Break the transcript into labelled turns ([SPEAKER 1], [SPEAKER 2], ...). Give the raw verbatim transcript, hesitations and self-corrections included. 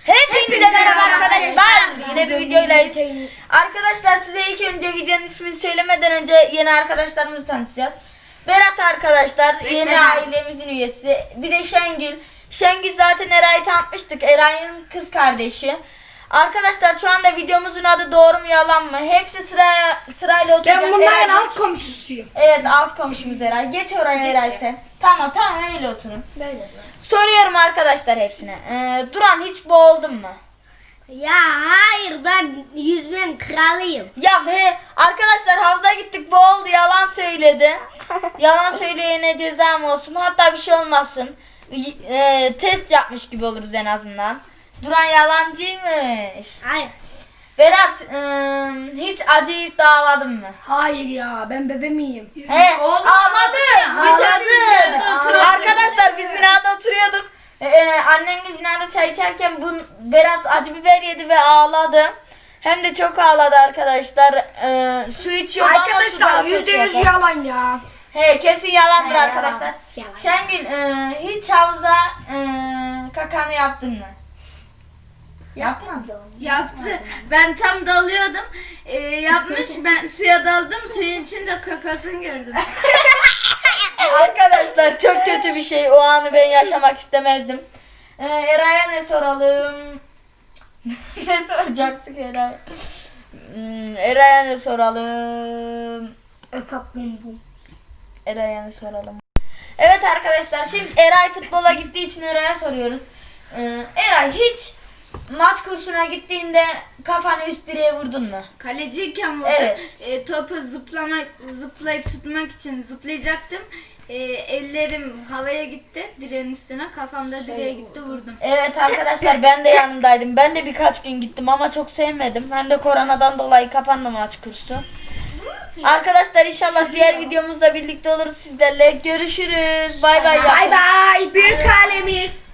[SPEAKER 1] Hepinize merhaba arkadaşlar. Yine bir videoylayız. Arkadaşlar size ilk önce videonun ismini söylemeden önce yeni arkadaşlarımızı tanıtacağız. Berat arkadaşlar yeni
[SPEAKER 2] Şengül.
[SPEAKER 1] ailemizin üyesi. Bir de Şengül. Şengül zaten Eray'ı tanıtmıştık. Eray'ın kız kardeşi. Arkadaşlar şu anda videomuzun adı doğru mu yalan mı? Hepsi sıraya sırayla oturacak.
[SPEAKER 2] Ben bunların
[SPEAKER 1] Eray-
[SPEAKER 2] alt komşusuyum.
[SPEAKER 1] Evet alt komşumuz Eray. Geç oraya Eray sen. Tamam tamam öyle oturun.
[SPEAKER 2] Böyle.
[SPEAKER 1] Soruyorum arkadaşlar hepsine. Ee, Duran hiç boğuldun mu?
[SPEAKER 3] Ya hayır, ben yüzmenin kralıyım.
[SPEAKER 1] Ya be arkadaşlar havuza gittik boğuldu yalan söyledi. Yalan söyleyene ceza mı olsun hatta bir şey olmasın. Y- e, test yapmış gibi oluruz en azından. Duran yalancıymış.
[SPEAKER 3] Hayır.
[SPEAKER 1] Berat e, hiç acıyıp da ağladın mı?
[SPEAKER 2] Hayır ya, ben bebe miyim?
[SPEAKER 1] He ağladı. Biz
[SPEAKER 3] Ağladı.
[SPEAKER 1] hepimiz gördük.
[SPEAKER 3] Oturuyorduk.
[SPEAKER 1] Arkadaşlar biz binada oturuyorduk. E, e, annemle binada çay içerken bu Berat acı biber yedi ve ağladı. Hem de çok ağladı arkadaşlar. E, su içiyordu ama su
[SPEAKER 2] Arkadaşlar
[SPEAKER 1] daha çok
[SPEAKER 2] yüzde yüz
[SPEAKER 1] yapar.
[SPEAKER 2] yalan ya.
[SPEAKER 1] He kesin yalandır
[SPEAKER 3] He,
[SPEAKER 1] arkadaşlar.
[SPEAKER 3] yalan.
[SPEAKER 1] Şengül e, hiç havuza e, kakanı yaptın mı?
[SPEAKER 3] Yapmadım.
[SPEAKER 4] Yaptı. Ben tam dalıyordum. Ee, yapmış. Ben suya daldım. Suyun içinde kakasını gördüm.
[SPEAKER 1] Arkadaşlar çok kötü bir şey. O anı ben yaşamak istemezdim. E, Eray'a ne soralım? Ne soracaktık Eray? Hmm, Eray'a ne soralım?
[SPEAKER 2] Hesaplayın bu.
[SPEAKER 1] Eray'a ne soralım? Evet arkadaşlar şimdi Eray futbola gittiği için Eray'a soruyoruz. Ee, Eray hiç maç kursuna gittiğinde kafanı üst direğe vurdun mu?
[SPEAKER 4] Kaleciyken burada
[SPEAKER 1] Evet.
[SPEAKER 4] e, topu zıplamak, zıplayıp tutmak için zıplayacaktım. E, ellerim havaya gitti. Direğin üstüne. Kafamda direğe gitti. Vurdum.
[SPEAKER 1] Evet arkadaşlar ben de yanındaydım. Ben de birkaç gün gittim ama çok sevmedim. Ben de koronadan dolayı kapandı maç kursu. Arkadaşlar inşallah diğer videomuzda birlikte oluruz sizlerle. Görüşürüz. Bay bay.
[SPEAKER 2] Bay bay, büyük alemiz.